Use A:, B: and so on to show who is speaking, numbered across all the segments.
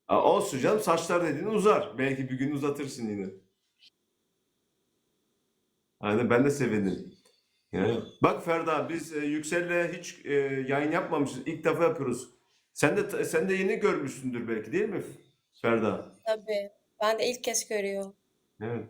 A: Olsun canım, saçlar dediğin uzar. Belki bir gün uzatırsın yine. Aynen, ben de sevindim. Yani, bak Ferda, biz Yüksel'le hiç yayın yapmamışız. İlk defa yapıyoruz. Sen de yeni görmüşsündür belki, değil mi Ferda?
B: Tabii. Ben de ilk kez görüyorum.
A: Evet.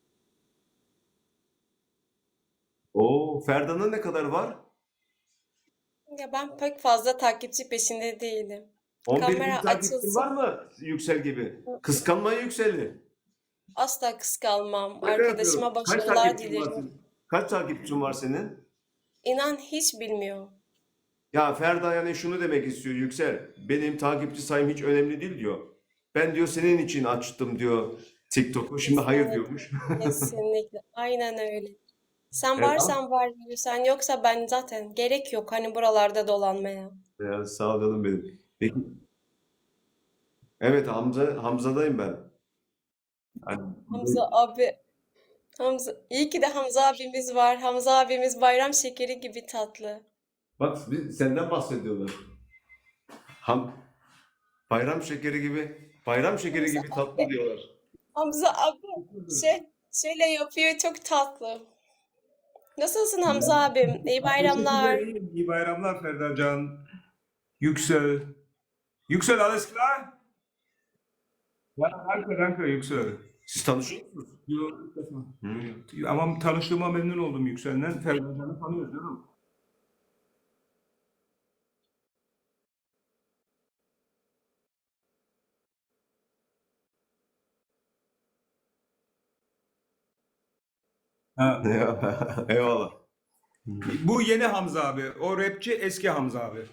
A: Oo, Ferda'nın ne kadar var?
B: Ya ben pek fazla takipçi peşinde değilim.
A: 11 bin
B: Kamera
A: takipçin var
B: açılsın.
A: mı Yüksel gibi? Kıskanma Yüksel'i.
B: Asla kıskanmam.
A: Şaka yapıyorum.
B: Arkadaşıma
A: Kaç
B: başarılar
A: takipçin var
B: dilerim.
A: senin? Kaç takipçin var senin?
B: İnan hiç bilmiyorum.
A: Ya Ferda yani şunu demek istiyor Yüksel. Benim takipçi sayım hiç önemli değil diyor. Ben diyor senin için açtım diyor TikTok'u. Şimdi hayır
B: Kesinlikle.
A: diyormuş.
B: Kesinlikle. Aynen öyle. Sen
A: Evet, ama
B: varsan var, sen yoksa ben zaten gerek yok hani buralarda dolanmaya.
A: ya, sağ ol canım benim. Peki, evet, Hamza'dayım ben. Yani,
B: Hamza abi, Hamza, iyi ki de Hamza abimiz var. Hamza abimiz bayram şekeri gibi tatlı.
A: bak senden bahsediyorlar. Ham, bayram şekeri
B: Hamza
A: gibi tatlı
B: abi,
A: diyorlar.
B: Hamza abi şöyle yapıyor çok tatlı. Nasılsın Hamza abim? İyi
C: Ha, teşekkürler,
B: bayramlar.
C: iyiyim. İyi bayramlar Ferda Can. Yüksel. Yüksel, alles klar? Ja, danke, danke Yüksel.
A: Siz tanışıyor musunuz?
C: Yo, ilk defa.
A: Hı.
C: Ama tanıştığıma memnun oldum Yüksel'den. Ferda Can'ı tanıyoruz canım. Ha.
A: Eyvallah.
C: Bu yeni Hamza abi. O rapçi eski Hamza abi.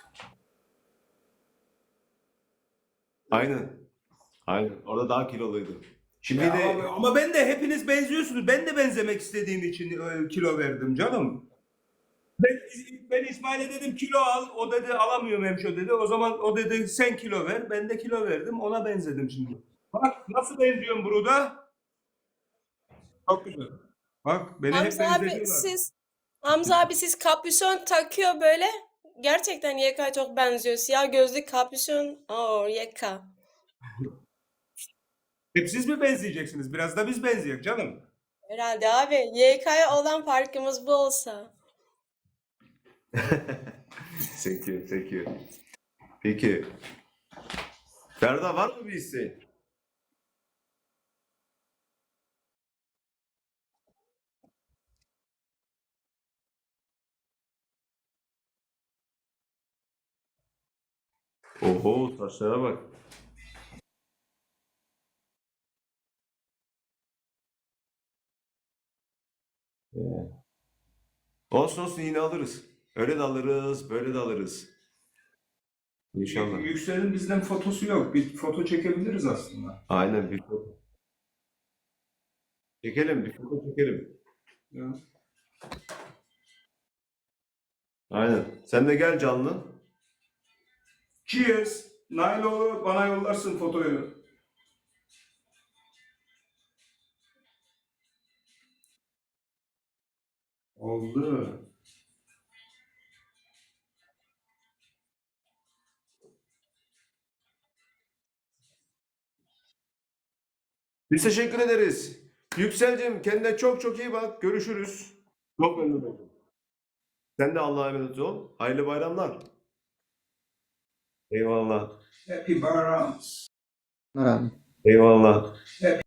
A: Aynen. Aynen. Orada daha kiloluydu. Şimdi
C: Ya
A: de
C: ama ben de hepiniz benziyorsunuz. Ben de benzemek istediğim için kilo verdim canım. Ben İsmail'e dedim kilo al. O dedi alamıyorum hemşo dedi. O zaman o dedi sen kilo ver. Ben de kilo verdim. Ona benzedim şimdi. Bak nasıl benziyorum burada. Çok güzel. Bak beni hep
B: Hamza abi
C: benzetiyorlar.
B: siz Hamza abi siz kapüşon takıyor böyle. Gerçekten YK çok benziyor. Siyah gözlü kapüşon. Oo YK.
C: Hep siz mi benzeyeceksiniz? Biraz da biz benzeyek canım.
B: Herhalde abi. YK'ya olan farkımız bu olsa.
A: sekiyor, sekiyor. Peki. Ferda, var mı bir isteğin? Oho, saçlara bak. Olsun olsun, yine alırız. Öyle de alırız, böyle de alırız. İnşallah.
C: Yüksel'in bizden fotosu yok. Bir foto çekebiliriz aslında.
A: Aynen, bir foto. Çekelim, bir foto çekelim.
C: Ya.
A: Aynen. Sen de gel canlı.
C: Cheers. Nailo bana yollarsın fotoyu. Oldu.
A: Biz teşekkür ederiz. Yükselcim, kendine çok çok iyi bak. Görüşürüz. Çok memnun oldum. Sen de Allah'a emanet ol. Hayırlı bayramlar. Eyvallah.
C: Happy Bayram.
A: Eyvallah.